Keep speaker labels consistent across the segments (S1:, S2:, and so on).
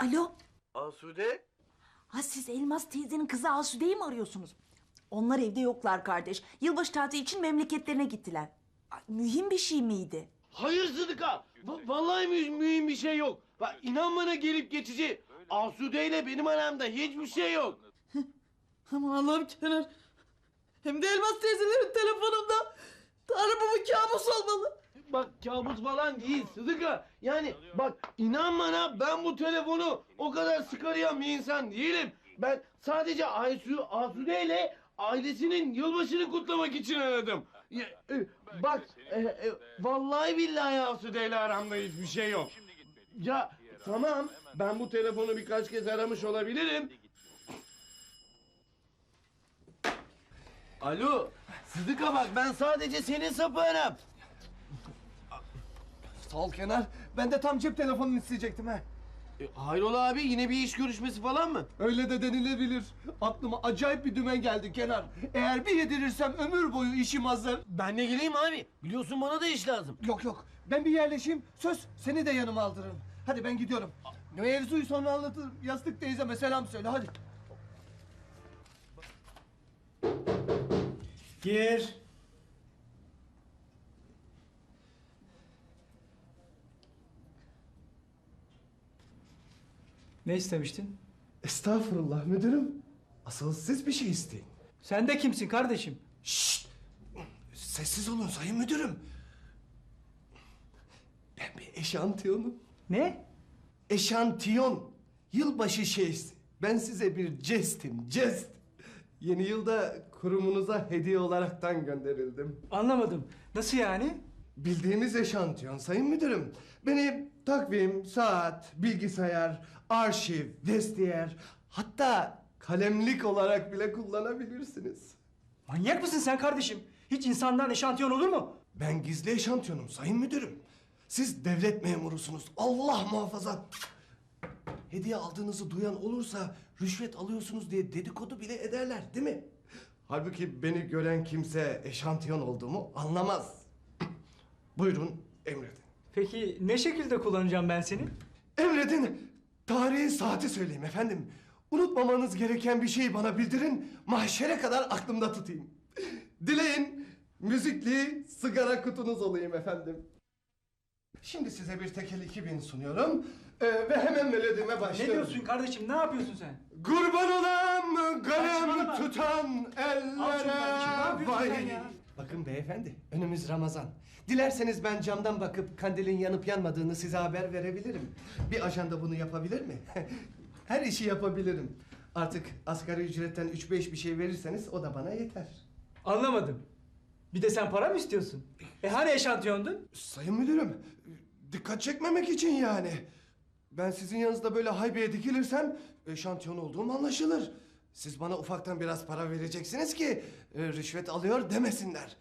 S1: Alo.
S2: Asude?
S1: Ha siz Elmas teyzenin kızı Asude'yi mi arıyorsunuz? Onlar evde yoklar kardeş. Yılbaşı tatili için memleketlerine gittiler. Ay, mühim bir şey miydi?
S2: Hayır Sıdıka. Vallahi mühim bir şey yok. Bak inan bana gelip geçici. Asude ile benim aramda hiçbir şey yok.
S3: Aman Allah'ım Kenan. Hem de Elmas teyzelerin telefonunda. Tanrım bu bir kabus olmalı.
S2: Bak kabus falan değil Sıdıka. Yani bak inan bana ben bu telefonu o kadar sık arayan bir insan değilim. Ben sadece Asude ile ailesinin yılbaşını kutlamak için aradım. Bak vallahi billahi Asude ile aramda hiçbir şey yok. Ya tamam ben bu telefonu birkaç kez aramış olabilirim. Alo Sıdıka bak ben sadece senin sapığınım.
S4: Sağ ol Kenar. Ben de tam cep telefonunu isteyecektim ha.
S2: Hayrola abi yine bir iş görüşmesi falan mı?
S4: Öyle de denilebilir. Aklıma acayip bir dümen geldi Kenar. Eğer bir yedirirsem ömür boyu işim hazır.
S2: Ben de geleyim abi. Biliyorsun bana da iş lazım.
S4: Yok yok. Ben bir yerleşeyim. Söz seni de yanıma aldırırım. Hadi ben gidiyorum. Mevzuyu sonra anlatırım. Yastık teyzeme selam söyle hadi.
S5: Gir. Ne istemiştin?
S4: Estağfurullah müdürüm. Asıl siz bir şey isteyin.
S5: Sen de kimsin kardeşim?
S4: Şşt! Sessiz olun sayın müdürüm. Ben bir eşantiyonum.
S5: Ne?
S4: Eşantiyon. Yılbaşı şeysi. Ben size bir jestim, jest. Yeni yılda kurumunuza hediye olaraktan gönderildim.
S5: Anlamadım. Nasıl yani?
S4: Bildiğimiz eşantiyon sayın müdürüm. Beni takvim, saat, bilgisayar, arşiv, vestiyer, hatta kalemlik olarak bile kullanabilirsiniz.
S5: Manyak mısın sen kardeşim? Hiç insandan eşantiyon olur mu?
S4: Ben gizli eşantiyonum sayın müdürüm. Siz devlet memurusunuz. Allah muhafaza. Hediye aldığınızı duyan olursa rüşvet alıyorsunuz diye dedikodu bile ederler değil mi? Halbuki beni gören kimse eşantiyon olduğumu anlamaz. Buyurun emredin.
S5: Peki ne şekilde kullanacağım ben seni?
S4: Emredin. Tarihi saati söyleyeyim efendim. Unutmamanız gereken bir şeyi bana bildirin. Mahşere kadar aklımda tutayım. Dileyin müzikli sigara kutunuz olayım efendim. Şimdi size bir tekel 2000 sunuyorum. Ve hemen melodime
S5: Ne
S4: başlıyorum.
S5: diyorsun kardeşim? Ne yapıyorsun sen?
S4: Kurban olam kalem
S5: Saçmalama.
S4: tutan
S5: Al şunu kardeşim, ne
S4: ellere
S5: yapıyorsun
S4: vay.
S5: sen ya?
S4: Bakın beyefendi, önümüz Ramazan. Dilerseniz ben camdan bakıp kandilin yanıp yanmadığını size haber verebilirim. Bir ajanda bunu yapabilir mi? Her işi yapabilirim. Artık asgari ücretten 3-5 bir şey verirseniz o da bana yeter.
S5: Anlamadım. Bir de sen para mı istiyorsun? Hani eşantiyondun?
S4: Sayın müdürüm, dikkat çekmemek için yani. Ben sizin yanınızda böyle haybeye dikilirsem eşantiyon olduğum anlaşılır. Siz bana ufaktan biraz para vereceksiniz ki rüşvet alıyor demesinler.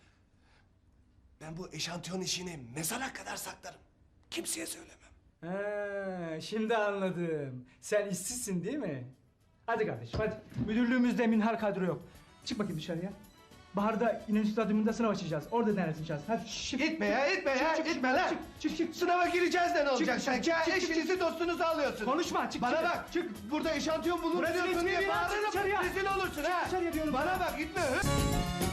S4: Ben bu eşantiyon işini mezara kadar saklarım. Kimseye söylemem.
S5: Ha, şimdi anladım. Sen işsizsin değil mi? Hadi kardeşim hadi. Müdürlüğümüzde minhar kadro yok. Çık bakayım dışarıya. Baharda İnönü Stadyumunda sınav açacağız. Orada denesin şans. Hadi çık.
S4: İtme ya, itme ya,
S5: Çık, çık,
S4: itme lan.
S5: çık.
S4: Sınava gireceğiz de ne olacak
S5: çık,
S4: sanki?
S5: çık,
S4: Ha,
S5: çık, çık,
S4: eşinizi dostunuzu alıyorsun.
S5: Konuşma çık.
S4: Bana
S5: çık.
S4: bak,
S5: Çık.
S4: burada eşantiyon
S5: Burası
S4: bulunduruyorsun
S5: resmi
S4: diye
S5: bir yer, çık
S4: bağırırım.
S5: dışarıya.
S4: Rezil olursun ha.
S5: dışarıya diyorum
S4: Bana
S5: sana.
S4: bak, gitme.